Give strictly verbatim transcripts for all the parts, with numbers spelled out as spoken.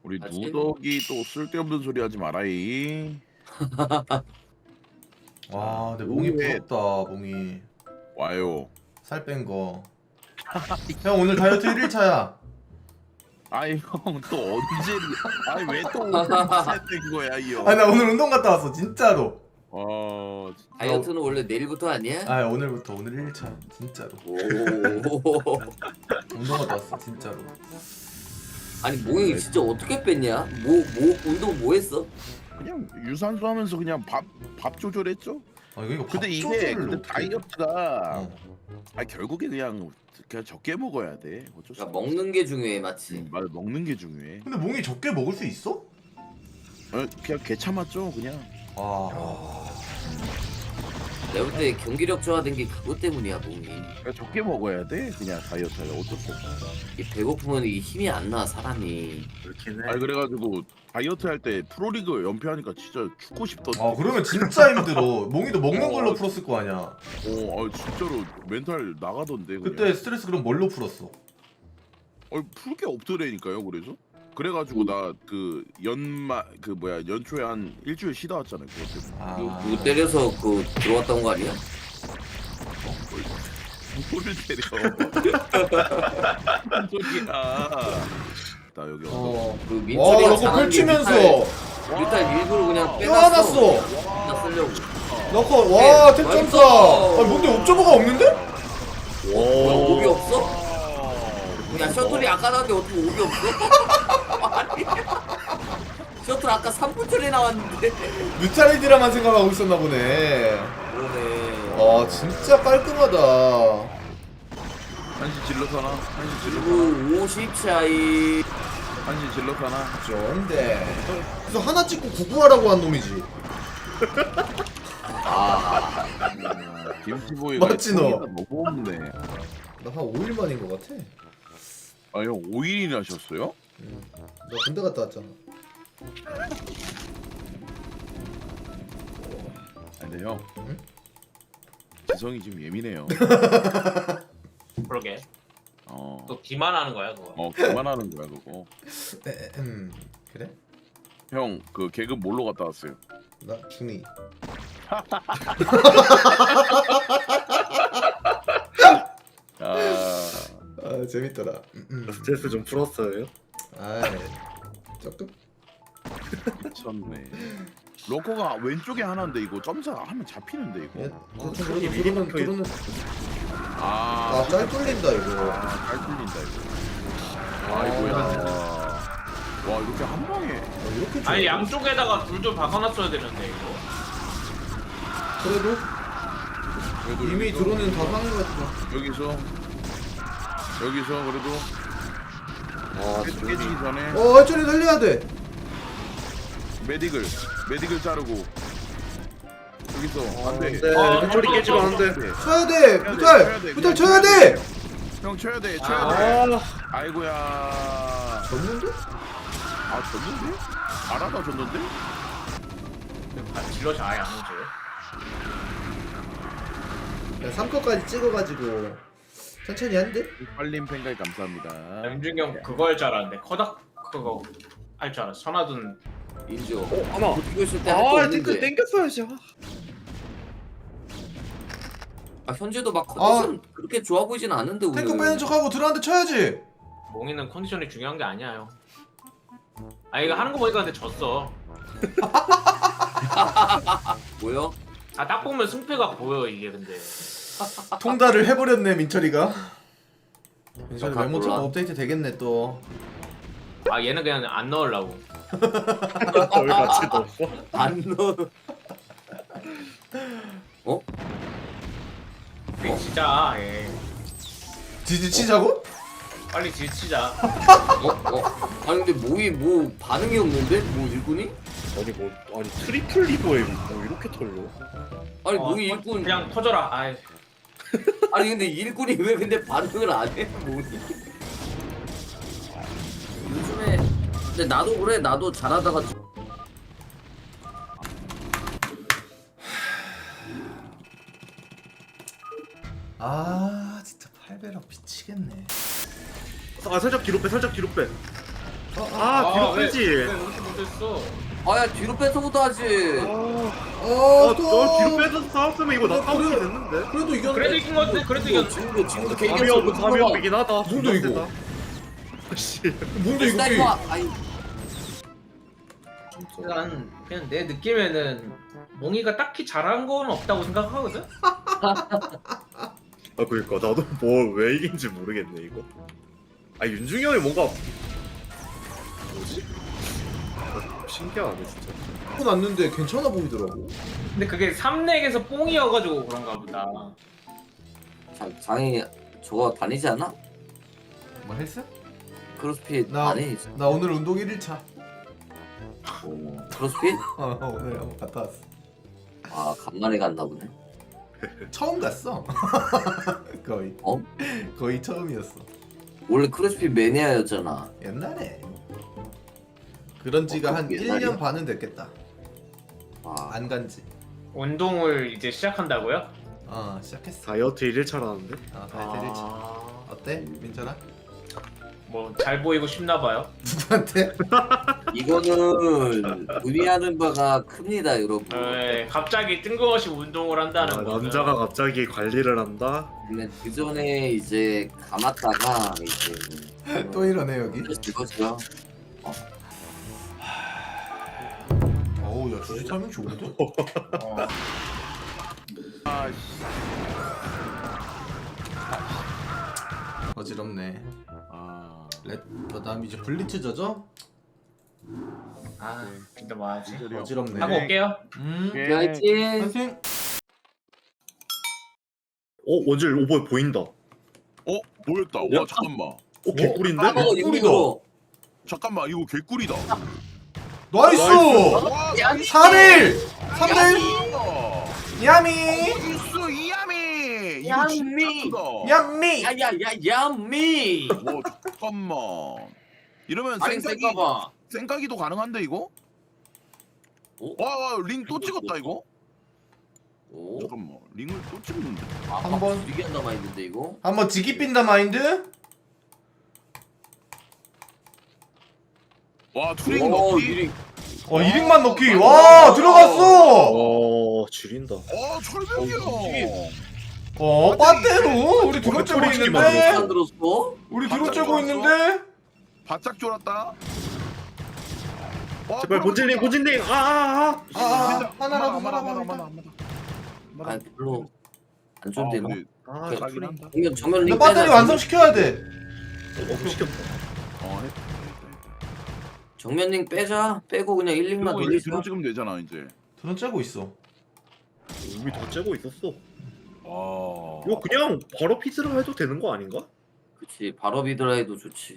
우리 아직? 누더기 또 쓸데없는 소리 하지 마라이. 와 근데 몽이 오후에 부럽다. 몽이 와요. 살 뺀 거. 형 오늘 다이어트 일 일 차야. 아이 형 또 언제? 아니 왜또 오픈된 거야 이 형? 아니 나 오늘 운동 갔다 왔어 진짜로. 어 다이어트는 원래 내일부터 아니야? 아 오늘부터 오늘 일 일 차 진짜로. 오. 운동 갔다 왔어 진짜로. 아니 몽이 진짜 어떻게 뺐냐? 뭐 뭐 운동 뭐 했어? 그냥 유산소 하면서 그냥 밥 밥 조절했죠. 아 이거 근데 이게 밥조절을 근데 어떻게- 다이어트가 어. 아 결국에 그냥 그냥 적게 먹어야 돼. 어쩔 수 그러니까 없어. 먹는 게 중요해, 맞지? 음, 맞아 먹는 게 중요해. 근데 몽이 적게 먹을 수 있어? 어, 그냥 개 참았죠 그냥. 아 내가 볼 때 경기력 저하된 게 그것 때문이야, 몽이. 그냥 적게 먹어야 돼 그냥 다이어트가 어쩔 수 없어. 이 배고프면 이 힘이 안 나, 사람이. 그렇긴 해. 아니 그래가지고 다이어트 할 때 프로리그 연패하니까 진짜 죽고 싶던. 아 그러면 진짜 힘들어. 몽이도 먹는 어. 걸로 풀었을 거 아니야. 어, 아, 진짜로 멘탈 나가던데. 그냥. 그때 스트레스 그럼 뭘로 풀었어? 어, 풀 게 없더라니까요. 그래서 그래가지고 나 그 연마 그 뭐야 연초에 한 일주일 쉬다 왔잖아요. 그것 때문에. 아 누, 누구 때려서 그 들어왔던 거 아니야? 누구를 때려? 무슨 소리야? 나 여기 왔어. 어. 그 와 민철이가 이거 잘하는 게 펼치면서 뮤탈, 뮤탈 일부러 그냥 껴안았어. 빼놨어. 진짜 쓰려고. 넣고 와 네, 탭점사. 맛있어. 아니 뭔데 옵저버가 없는데? 뭐야, 옵이 없어? 야, 셔틀이 아까 나왔는데 어떻게 옵이 없어? 아니. 셔틀 아까 삼 분 전에 나왔는데. 뮤탈리드라만 생각하고 있었나 보네. 그러네. 아 진짜 깔끔하다. 한시 질러서나? 한시 질러서나? 그리고 오십 차이. 한시 질러서나? 좋은데. 그래서 하나 찍고 구구하라고 한 놈이지. 아, 김치보이가 맞지, 너? 너무 없네. 나 한 오 일 만인 것 같아. 아 형 오 일이나 하셨어요? 응. 너 군대 갔다 왔잖아. 아, 근데 형 응? 지성이 지금 예민해요. 그러게. 어, 또 기만하는 거야 그거. 어 그만하는 거야 그거. 에, 음 그래? 형 그 개그 뭘로 갔다 왔어요? 나 중이. 아 아 재밌더라. 음, 음. 스트레스 좀 풀었어요? 아이 조금. 미쳤네. 로커가 왼쪽에 하나인데 이거 점사 하면 잡히는데 예, 이거. 대충 그래도 들어는 들어는. 아, 아짤 뚫린다 이거. 아, 잘 뚫린다 이거. 아이고야. 와 이렇게 한 방에. 아, 이렇게 좋아. 아니 양쪽에다가 둘도 박아놨어야 되는데 이거. 그래도 그래도 이미 여기서, 드론은 다 사는 것 같아. 여기서 여기서 그래도 아 깨- 깨지기 전에 어 알전이 살려야 돼. 메딕을 메딕을 자르고 여기서 안돼. 네, 어, 해초리 어, 깨지면 어, 안 돼. 쳐야 돼. 쳐야 돼, 쳐야 무탈 돼, 무탈 그냥 쳐야 쳐야 돼. 형 쳐야 돼, 쳐야 돼. 아, 아이고야. 졌는데? 아 졌는데? 알아다 졌는데? 질럿이 아예 안 오지. 삼 컷까지 찍어가지고 천천히 한대. 빨림 팬가이 감사합니다. 염준경 그거 할 줄 알았는데 커닥 그거 할 줄 알았어. 선화둔 인조. 어, 하나. 이거 있을 때할거 아, 땡겨, 없는데. 땡겼어야지. 아. 아, 현재도 막 컨디션 그렇게 좋아 보이진 않은데 오늘. 탱크 빼는 척하고 들어한테 쳐야지. 몽이는 컨디션이 중요한 게 아니야. 아 이거 하는 거 보니까 근데 졌어. 뭐요? 아 딱 보면 승패가 보여 이게 근데. 통달을 해버렸네 민철이가. 민철이 아, 메모장 몰라. 업데이트 되겠네 또. 아 얘는 그냥 안 넣으려고. 저기 같이 넣었어? 안 넣어. 어? 우리 진짜 예. 지지치자고? 빨리 지치자. 어? 어? 아니 근데 뭐이 뭐 반응이 없는데? 뭐 일꾼이? 아니 뭐 아니 트리플 리버에 뭐 이렇게 털려? 아니 어, 뭐이 터- 일꾼. 그냥 터져라. 아이. 아니 근데 일꾼이 왜 근데 반응을 안 해? 뭐니? 요즘에 근데 나도 그래. 나도 잘하다가 아 진짜 팔 배럭 미치겠네. 아 살짝 뒤로 빼, 살짝 뒤로 빼. 아 뒤로 왜, 빼지. 왜 이렇게 못했어? 아야 뒤로 뺏어보다 하지. 어, 아, 또. 너 뒤로 빼서 싸웠으면 이거 나 그래, 까먹게 그래. 됐는데. 그래도 이겼네. 그래도 이긴 것 같아. 그래도 이겼. 지금도 지금도 개인 담이업 담이업이긴 하다. 뭔데, 이거? 씨. 뭔데 이거 게임? 아니 난 그냥 내 느낌에는 몽이가 딱히 잘한 건 없다고 생각하거든. 아 그러니까 나도 뭐 왜 이긴지 모르겠네 이거. 아 윤중이 형이 뭔가 뭐지? 아, 신기하네 진짜. 하고 났는데 괜찮아 보이더라고. 근데 그게 삼렉에서 뽕이어가지고 그런가 보다. 장, 장이 저거 다니지 않아? 뭐 헬스? 크로스핏 나- 안 해? 나 오늘 운동 일 일차. 오, 크로스핏? 어, 오늘 한번 갔다 왔어. 아 간만에 갔나 보네. 처음 갔어. 거의. 어? 거의 처음이었어. 원래 크로스핏 매니아였잖아. 옛날에. 그런 지가 어, 한 옛날이야? 일 년 반은 됐겠다. 아, 안 간지. 운동을 이제 시작한다고요? 어, 시작했어. 다이어트 일 일차라는데? 어, 다이어트 일일차. 아... 어때? 민철아? 뭐 잘 보이고 싶나 봐요. 누구한테? 이거는 의미하는 바가 큽니다, 여러분. 네, 갑자기 뜬금없이 운동을 한다는 아, 거. 남자가 갑자기 관리를 한다? 근데 그 전에 이제 감았다가 이제 또 이러네 여기. 이거죠. 어우 야 주식 설명 좋은데? 어. 아씨. 어지럽네. 아. 렛, 그다음 이제 블리츠 져죠? 아, 근데 뭐 하지? 어지럽네. 하고 올게요. 음. 예. 화이팅! 선생. 어 원질 오버 보인다. 어 어 보였다. 와 잠깐만. 개꿀인데? 까먹어 이거. 잠깐만 이거 개꿀이다. 나이스. 와 삼 일. 삼 대 일. 일. 야미. 있어 이야미. 이거 야미. 진짜 크다. 야미. 야야야 야미. 와 잠깐만. 이러면 아니 생각이 생각봐. 생각이도 가능한데 이거? 오? 와링 또 찍었다 이거? 오. 잠깐만 링을 또 찍었는데. 아, 한 번. 이게 안 남아 있는데 이거. 한번 지기 빈다 마인드. 와 투링 오, 넣기. 이리- 어 일 인만 넣기. 와 들어갔어. 어 지린다. 어 철벽이야. 어 빠떼로 우리 드론 째고 소리 있는데. 안 들었어? 우리 드론 째고 있는데. 바짝 졸았다. 와, 제발 본질님 본질님 아아아. 아, 아, 하나라도 하나, 살아봐, 하나, 일단. 하나, 하나. 아 별로 안 아, 좋은데나. 근데 아 그래, 가긴 가긴 한다. 한다. 정면 정면 근데 링 배터리 빼자. 완성시켜야 돼. 어 시켰다. 어, 했다, 했다, 했다. 정면 링 빼자. 빼고 그냥 일 링만 그리고 이제 돌리자. 뒤로 찍으면 되잖아 이제. 드론 째고 있어. 이미 다 째고 있었어. 아. 이거 그냥 바로 피스를 해도 되는 거 아닌가? 그치 바로 비드라이도 좋지.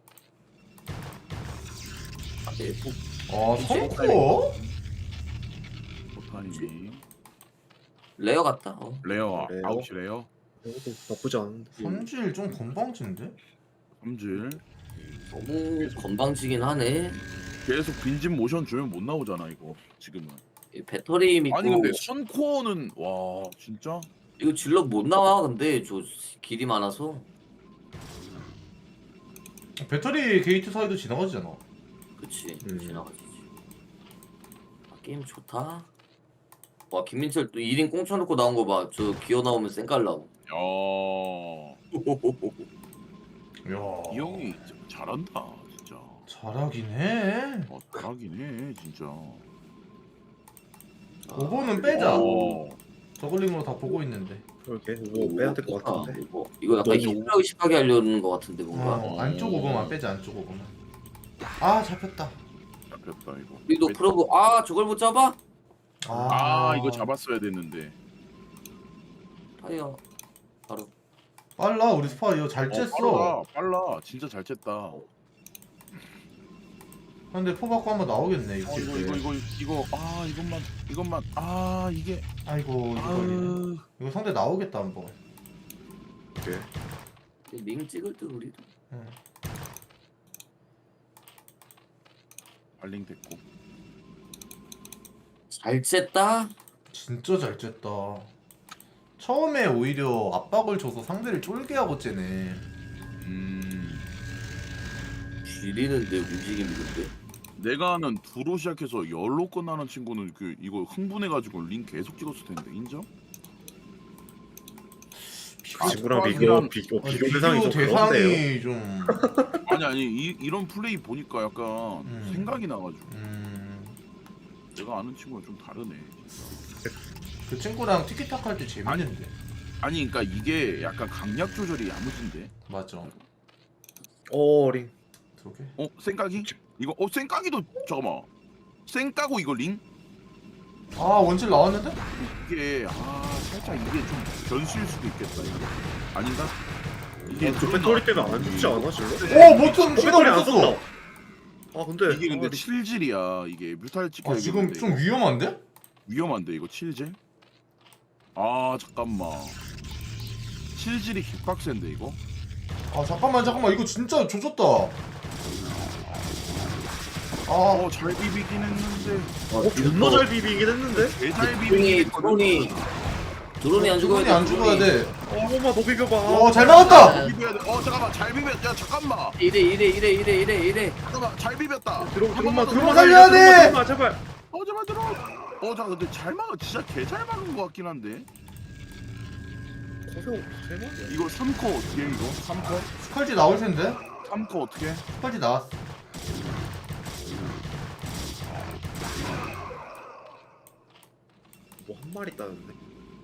아, 네, 뭐, 어 성코? 보타니. 레어 같다. 어. 레어 레어. 아홉시 레어. 이것도 나쁘지 않은데. 삼질 좀 건방진데? 삼질. 너무 건방지긴 하네. 계속 빈집 모션 주면 못 나오잖아 이거 지금은. 이 배터리 믿고 아니 근데 선코어는 와 진짜. 이거 질럿 못 나와. 근데 저 길이 많아서. 배터리 게이트 사이도 지나가지잖아. 그치 음. 지나가지지. 아, 게임 좋다. 와 김민철 또 일 인 꽁쳐놓고 나온 거 봐. 저 기어 나오면 쌩깔라고. 야. 야. 이 형이 진짜 잘한다 진짜. 잘하긴 해. 어, 잘하긴 해 진짜. 그거는 빼자. 어. 저글링으로 다 보고 있는데. 그렇게 뭐 빼야 될 것 같은데. 이거, 이거 약간 너무- 힘을 의식하게 하려는 것 같은데 뭔가. 어, 안쪽 오버만 빼자 안쪽 오버만. 아 잡혔다. 잡혔다 이거. 우리도 그러고 아 저걸 못 잡아? 아 이거 잡았어야 됐는데. 타이어 바로. 빨라 우리 스파 이거 잘 어, 쬐어. 빨라 빨라 진짜 잘 쨌다. 근데 포 받고 한번 나오겠네 어, 이거. 이거 이거 이거 이거 아 이것만 이것만 아 이게 아이고 이거 걸리네. 아 이거 상대 나오겠다 한번. 오케이. 링 찍을 때 우리도. 응. 발링 됐고. 잘 쨌다. 진짜 잘 쬐다. 처음에 오히려 압박을 줘서 상대를 쫄게 하고 쬐네. 음. 지리는데 움직임이 근데. 내가 아는 두로 시작해서 열로 끝나는 친구는 그 이거 흥분해가지고 링 계속 찍었을 텐데 인정? 그 친구랑 아, 비교 그냥- 비교 아니, 비교 대상이 좀 그런데요. 대상이 좀. 아니 아니 이, 이런 플레이 보니까 약간 음. 생각이 나가지고 음, 내가 아는 친구랑 좀 다르네. 그 친구랑 티키타카 할 때 재밌는데. 아니 그러니까 이게 약간 강약 조절이 야무진데. 맞아. 어링. 그러게. 어 생각이? 이거 어 생각이도 잠깐만. 생까고 이거 링? 아 원질 나왔는데? 이게 아 살짝 이게 좀 변수일 수도 있겠다 이거. 아닌가? 이게 저 배터리 때문에 안 죽지 않아 질러? 오 버튼 시간 배터리 안 없었어. 썼다. 아 근데 이게 근데 아, 칠질이야 이게 뮤탈 찍혀 아 지금 좀 위험한데? 위험한데 이거 칠질? 아 잠깐만 칠질이 개빡센데 이거? 아 잠깐만 잠깐만 이거 진짜 조졌다. 아 어잘 비비긴 했는데 어 존나 잘 비비긴 했는데. 개잘 드론이 비비긴 드론이 드론이 안 죽어야 드론이 돼. 안 죽어야 돼. 어머마 너 비벼봐. 어잘 막았다. 비벼야 돼. 어 잠깐만 잘 비볐 야 잠깐만 이래 이래 이래 이래 이래 이래. 잠깐만 잘 비볐다 들어 한 들어마 번만 더. 들어마 살려야 돼! 들어마 제발. 어 제발 들어 어 잠깐 근데 잘 막아 진짜 개 잘 막은 것 같긴 한데 거세요 세 번이야. 이거 삼 코 어떻게 해 이거? 삼 코? 스컬지 나올 텐데. 삼 코 어떻게 해? 스컬지 나왔어. 뭐 한 마리 따는데.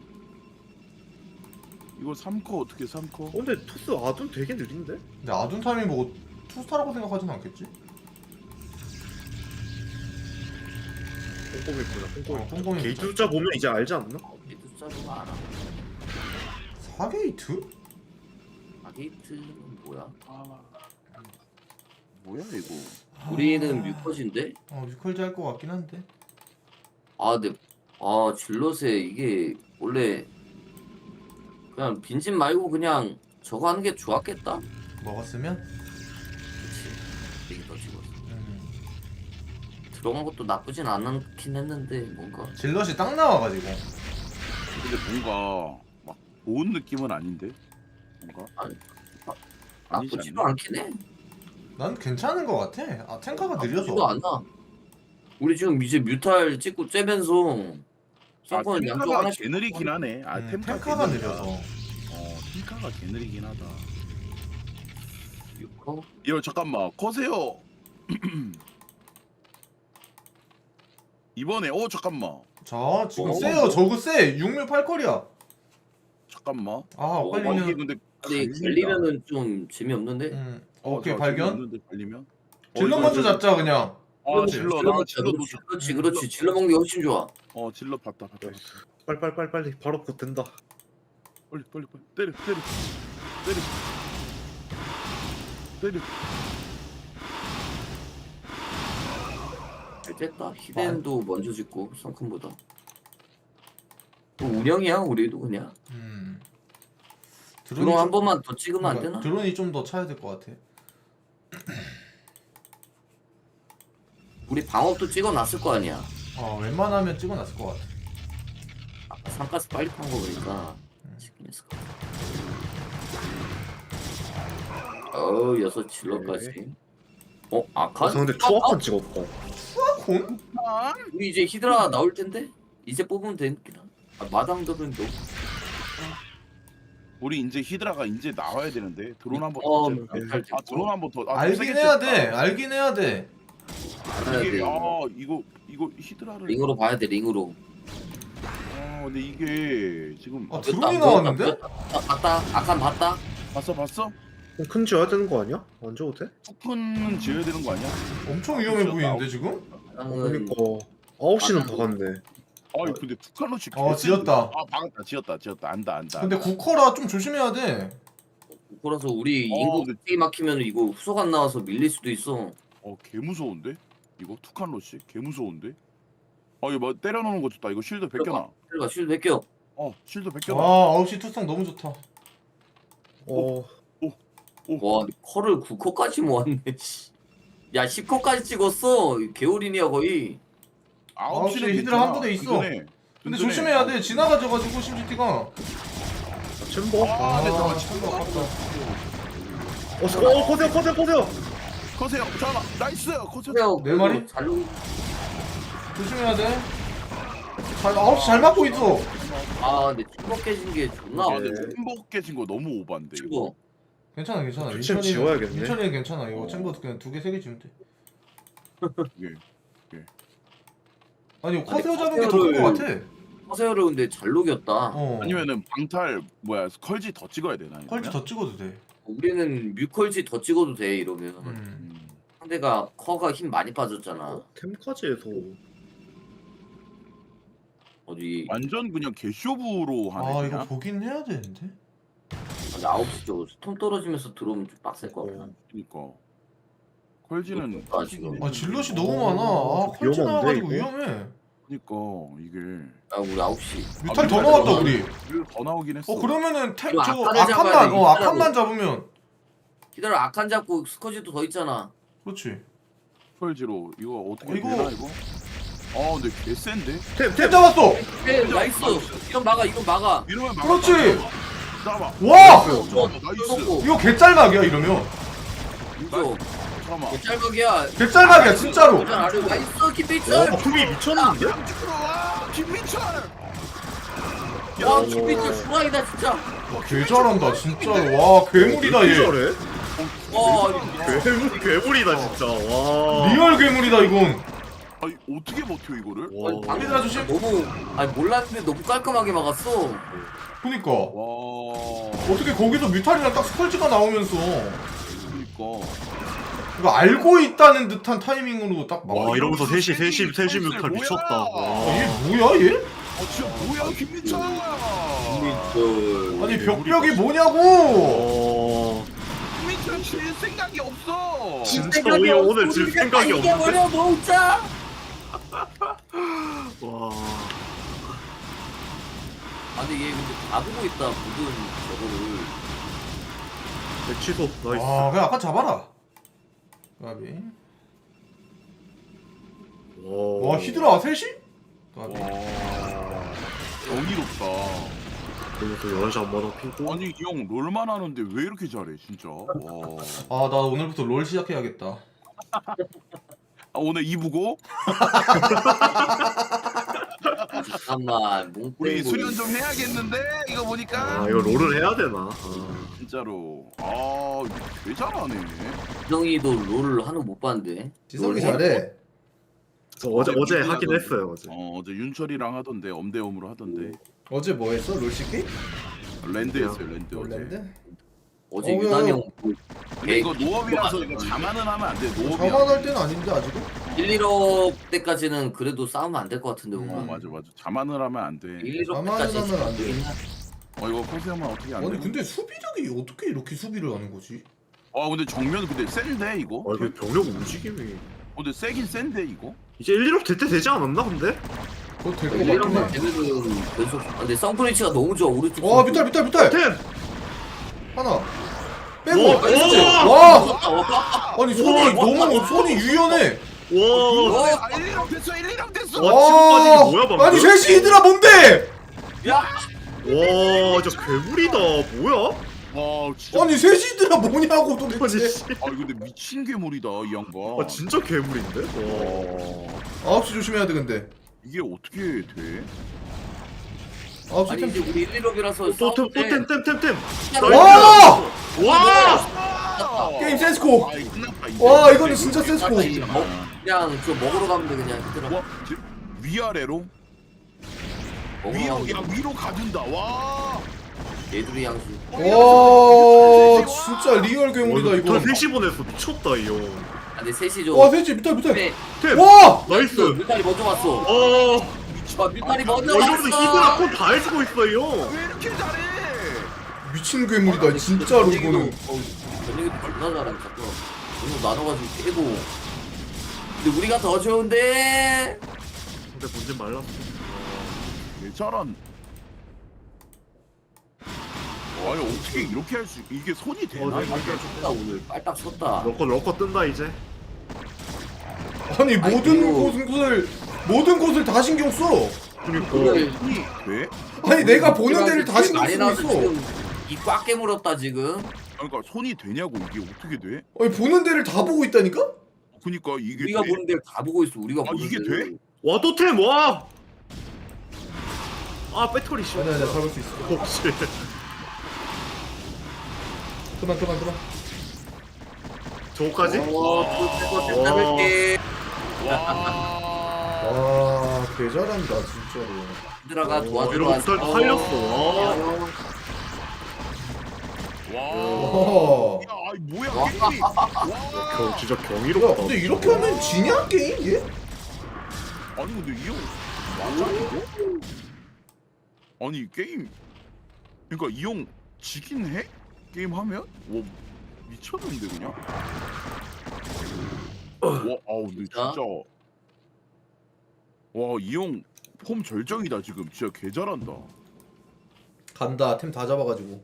이거 삼 코 어떻게 해 삼 코? 어 근데 토스 아둔 되게 느린데? 근데 아둔 타이밍 보고 투스타라고 생각하진 않겠지? 꼼꼼히 보자 어, 꼼꼼히. 꼼꼼히 게이트 숫자 보면 이제 알지 않나? 게이트 숫자도 알아. 사 게이트? 아 게이트는 뭐야? 아 뭐야 이거 우리는 뮤컷인데? 어 뮤컬지 할 것 같긴 한데. 아 근데 아 질럿에 이게 원래 그냥 빈집 말고 그냥 저거 하는 게 좋았겠다. 먹었으면? 그치. 되게 더 찍었어. 음. 들어간 것도 나쁘진 않긴 했는데 뭔가 질럿이 딱 나와가지고. 근데 뭔가 막 좋은 느낌은 아닌데 뭔가 아니, 아니지 나쁘지도 않나? 않긴 해. 난 괜찮은 것 같아. 아 탱카가 나쁘지도 느려서. 않아. 우리 지금 이제 뮤탈 찍고 째면서 아 탱커는 양쪽 템카가 하나씩 개느리긴 하네 아 음, 템카 탱카가 개느리다. 느려서. 어 템카가 개느리긴 하다 어? 이거 잠깐만 커세요 이번에 어 잠깐만 자 지금 어, 세요. 저거 세. 육 뮤 팔 컬이야. 잠깐만 아 어, 어, 이게 엇갈리면. 근데 근데 갈린다. 갈리면은 좀 재미없는데? 음. 어, 오케이 저 발견. 재미없는데 갈리면 어, 질럿 이거 먼저 좀- 잡자 그냥. 아 질러 나 질러 그렇지, 놓쳐 그렇지 그렇지 질러 먹는 게 훨씬 좋아. 어 질러 봤다 봤다 봤다. 빨리 빨리 빨리 빨리 바로 곧 된다. 빨리 빨리 빨리 때려 때려 때려 때려 잘 됐다. 히덴도 먼저 짓고 성큰보다. 뭐 운영이야 우리도 그냥. 음. 드론 한 번만 더 찍으면 안 되나? 드론이 좀 더 차야 될 것 같아. 우리 방업도 찍어놨을 거 아니야. 어 웬만하면 찍어놨을 것 같아. 아까 삼가스 빨리 판 거 보니까 찍긴 했을 것 같아. 어우 여섯 질러까지. 어 아칸? 아 근데 투어판 찍었다. 콘? 우리 이제 히드라 나올 텐데 이제 뽑으면 되긴 하. 아, 마당들은 너무. 우리 이제 히드라가 이제 나와야 되는데 드론 한번 어, 더 멘탈 아 드론 한번 더 아, 알긴 세게 해야 쳤다. 돼. 알긴 해야 돼. 알아야 돼. 이게 아 이거 이거 히드라를 링으로 봐야 돼 링으로. 아 근데 이게 지금 아 보였다, 드론이 보였다, 나왔는데? 보였다. 아, 봤다. 아칸 봤다. 봤어 봤어? 그럼 큰 지어야 되는 거 아니야? 안 줘도 돼? 투푼은 지어야 되는 거 아니야? 엄청 위험해 보이는데 지금? 나는 그러니까 아홉 시는 아, 박았네. 아 근데 투칸로치 어, 지었다. 아 박았다 지었다 지었다 안다 안다 근데 구커라 좀 조심해야 돼. 그래서 우리 어, 인구 근데- 게 막히면 이거 후속 안 나와서 밀릴 수도 있어. 어 개무서운데? 이거 투칸로치 개무서운데? 아 이거 뭐 때려놓는 거 좋다 이거 쉴드 벗겨놔 그러니까 쉴드 벗겨. 어 쉴드 아 벗겨놔 아홉 시 투성 너무 좋다. 어 와 컬을 구 코까지 모았네. 씨. 야 십 코까지 찍었어. 개울인이야 거의. 아홉 시는 아홉 시 히드라 한 부대 있어. 든든해. 근데 든든해. 조심해야 돼. 지나가져가지고 심지티가. 챔버. 아, 네, 아, 잠깐만, 참 아깝다. 어, 어, 커세요, 커세요, 커세요. 커세요. 잠깐만. 나이스. 커세요. 그래요. 네 마리? 잘 녹. 조심해야 돼. 잘 아홉 시 잘 맞고 있어. 아 근데 침묵 깨진 게 존나 아, 안 근데 돼. 챔버 깨진 거 너무 오반데. 이거. 침묵. 괜찮아 괜찮아. 챔 민철이는 지워야겠네. 민철이는 괜찮아. 이거 어. 챔버 그냥 두 개 세 개 주면 돼. 이게. 아니 커세어 아니, 잡은 게 더 큰 거 커세어를- 같아. 허세요를 근데 잘 녹였다. 어. 아니면은 방탈 뭐야 컬지 더 찍어야 되나? 퀄지 더 찍어도 돼. 우리는 뮤컬지 더 찍어도 돼 이러면. 음. 음. 상대가 커가 힘 많이 빠졌잖아. 템까지 해서 어디 완전 그냥 개쇼부로 하네. 아 그냥. 이거 보긴 해야 되는데. 아홉 시 쪽 스톰 떨어지면서 들어오면 좀 빡셀 것 같아. 그러니까. 컬지는 아, 지금. 아 질럿이 너무 많아. 아 퀄지 위험한데, 나와가지고 이거? 위험해. 그러니까 이게 아 우리 아홉 시. 뮤탈 아, 더 뮤탈 나왔다 더 우리. 더 나오긴 했어. 어 그러면은 템 이거 저 아칸을 잡아야 아칸만 돼, 어 이거 아칸만 잡으면 기다려 아칸 잡고 스커지도 더 있잖아. 그렇지. 컬지로 이거 어떻게 어, 이거- 되나 이거? 아 근데 개 센데? 템 잡았어. 그래 나이스. 이건 막아 이건 막아. 이러면 막. 그렇지. 잠깐만. 와 어, 나이스. 이거 개짤막이야 이러면. 이거 잠깐만. 짤막이야. 개짤막이야 진짜로. 나이스 김민철. 와 품이 미쳤는데? 와 김민철. 와 김민철 수라이다 진짜. 개 잘한다 진짜로. 와 괴물이다 얘. 저래? 와 괴물 괴물이다 진짜. 와. 리얼 괴물이다 이건. 아니 어떻게 버텨 이거를? 와. 얘들아 조심. 너무 아니 몰랐는데 너무 깔끔하게 막았어. 그니까 와. 어떻게 거기서 뮤탈이랑 딱 스컬지가 나오면서 그러니까. 이거 알고 있다는 듯한 타이밍으로 딱 막. 와 이러면서 셋이 셋이 셋이 뮤탈 미쳤다. 아, 와. 얘 뭐야 얘? 아 진짜 뭐야 김민철. 김민철. 아니 벽벽이 뭐냐고. 와. 김민철 칠 생각이 없어. 진짜 오늘 오늘 질 생각이 없는데. 이겨버려 놓자. 와. 아니 얘 근데 다 보고 있다 모든 저거를. 네, 취소. 나이스. 아 그냥 아까 잡아라. 까비. 와. 와 히드라 셋이? 까비. 와. 경이롭다. 그리고 여섯 시 한 번 더 피고. 아니 이 형 롤만 하는데 왜 이렇게 잘해 진짜. 와. 아 나 오늘부터 롤 시작해야겠다. 아 오늘 이 부고 잠깐만 몽 우리 빼고. 수련 좀 해야겠는데 이거 보니까. 아 이거 롤을 해야 되나? 아. 진짜로. 아 이거 개 잘하네. 지성이도 롤을 하는 거 못 봤는데. 지성이 롤 잘해. 저 어제 아, 어제 미국이라도- 하긴 했어요 어제. 어 어제 윤철이랑 하던데 엄대엄으로 하던데. 어제 뭐 했어? 롤 시키? 랜드 했어요 랜드 어제. 랜드? 어제 어, 유난히 야, 형 근데 이거 개- 노업이라서 뭐 이거 자만은 하면 안 돼. 노업이야. 자만할 때는 아닌데 아직은? 일, 일억 때까지는 그래도 싸우면 안 될 것 같은데 어 뭔가. 맞아 맞아. 자만을 하면 안 돼. 일, 일억 자만을 때까지 하면 안 돼. 어 이거 커세어만 어떻게 안 돼? 아니 근데 수비력이 어떻게 이렇게 수비를 하는 거지? 아 근데 정면 근데 센데 이거? 아 이거 병력 움직임이. 어, 근데 세긴 센데 이거? 이제 일, 일업 될 때 되지 않았나 근데? 그거 될거 일, 일억만 같긴 해. 되면은 계속. 아, 근데 썬프리치가 너무 좋아 우리 쪽. 와 뮤탈 뮤탈 뮤탈! 템! 하나 빼고 와, 나이스! 와! 와! 아니 손이 너무 손이 유연해! 와. 아 일, 일억 됐어 일, 일억 됐어! 와, 치고 빠지기 뭐야, 방금? 아니 셋이 히드라 뭔데? 야! 와 진짜 괴물이다. 뭐야? 와 진짜 아니 셋이 히드라 뭐냐고 아니 도대체. 씨. 아 근데 미친 괴물이다 이 양반. 아 진짜 괴물인데? 와. 아홉 시 조심해야 돼 근데. 이게 어떻게 돼? 아홉 시 아니 템. 이제 우리 일, 일억이라서 또템또템템템템. 와! 와! 게임 센스코! 아 이거 끝났다 이제. 와 이거는 진짜 센스코! 그냥 저 먹으러 가면 돼 그냥 얘들아. 와 지금 위아래로? 먹으러 위로 가면 야 위로 가준다 와. 돼. 얘들이 양수. 와 진짜 리얼 괴물이다 이거. 저 셋이 보냈어. 미쳤다 이 형. 아 근데 셋이 좀. 와 셋이 뮤탈 뮤탈. 네. 템. 와! 나이스. 뮤탈이 먼저 왔어. 어. 아 뮤탈이 먼저 어 이러면서 히드라 왔어. 콘다 해주고 있어 이 형. 왜 이렇게 잘해? 미친 괴물이다 진짜로 이거는. 전력이 존나 잘해 자꾸. 너무 나눠가지고 깨고. 근데 우리가 더 좋은데. 근데 본진 말랐어. 개 잘한. 아니 어떻게 이렇게 할 수? 이게 손이 되나? 어, 네, 이게? 쳤다 오늘 빨딱 쳤다. 럭커 럭커 뜬다 이제. 아니 아니, 모든 그리고- 곳을 모든 곳을 다 신경 써. 그러니까. 오늘 손이 돼? 아니 내가 보는 데를 다 많이 신경 쓰고 나와서 있어. 지금 입 꽉 깨물었다 지금. 그러니까 손이 되냐고 이게 어떻게 돼? 아니 보는 데를 다 보고 있다니까? 그니까 이게 우리가 돼? 보는 데를 다 보고 있어. 우리가 아, 보는 이게 데를. 돼? 와 또템 와. 아 배터리 씨. 아니야 아니야 잡을 수 있어. 혹시 그만 그만 그만. 저거까지? 어, 그거 좀 잡을게. 와. 와 개잘한다 진짜로. 얘들아가 도와주러 이런 왔어. 것들 살렸어. 와. 와. 와. 야, 아이 뭐야 와. 게임이. 와. 겨, 진짜 야 경이롭다. 근데 이렇게 하면 지냐 게임 얘? 아니 근데 이 형 맞아 이거? 아니 게임 그러니까 이 형 지긴 해? 게임 하면? 와 미쳤는데 그냥? 와 아우 근데 진짜? 진짜 와 이 형 폼 절정이다 지금 진짜 개 잘한다. 간다 템 다 잡아가지고.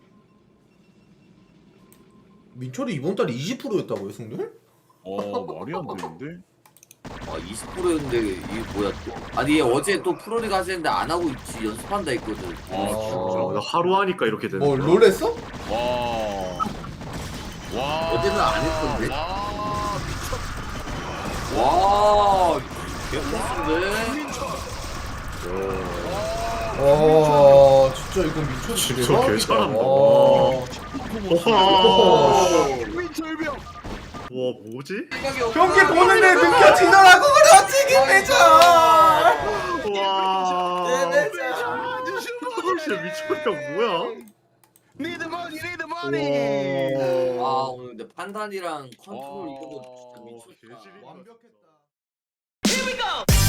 민철이 이번 달에 이십 퍼센트였다고요 승률? 어 말이 안 되는데? 아 이십 퍼센트였는데 이게 뭐야 또? 아니 얘 어제 또 프로리그 하시는데 안 하고 있지. 연습한다 했거든. 아 어, 나 진짜. 하루 하니까 이렇게 되는 뭐 거야. 롤 했어? 와. 와. 어제는 안 했던데. 와. 와, 개멋진데. 와 진짜 이거 민철 진짜 대박이다. 개잘한다. 와. 와. 민철병. 와 뭐지? 경기 보는데 느껴지더라고 그렇지 김대철. 와. 김대철. 진짜 미쳤다 뭐야? Need the money, need the money. 와. 아 오늘 근데 판단이랑 컨트롤 이런 거 진짜 아, 미쳤다. 개질이다. 완벽했다.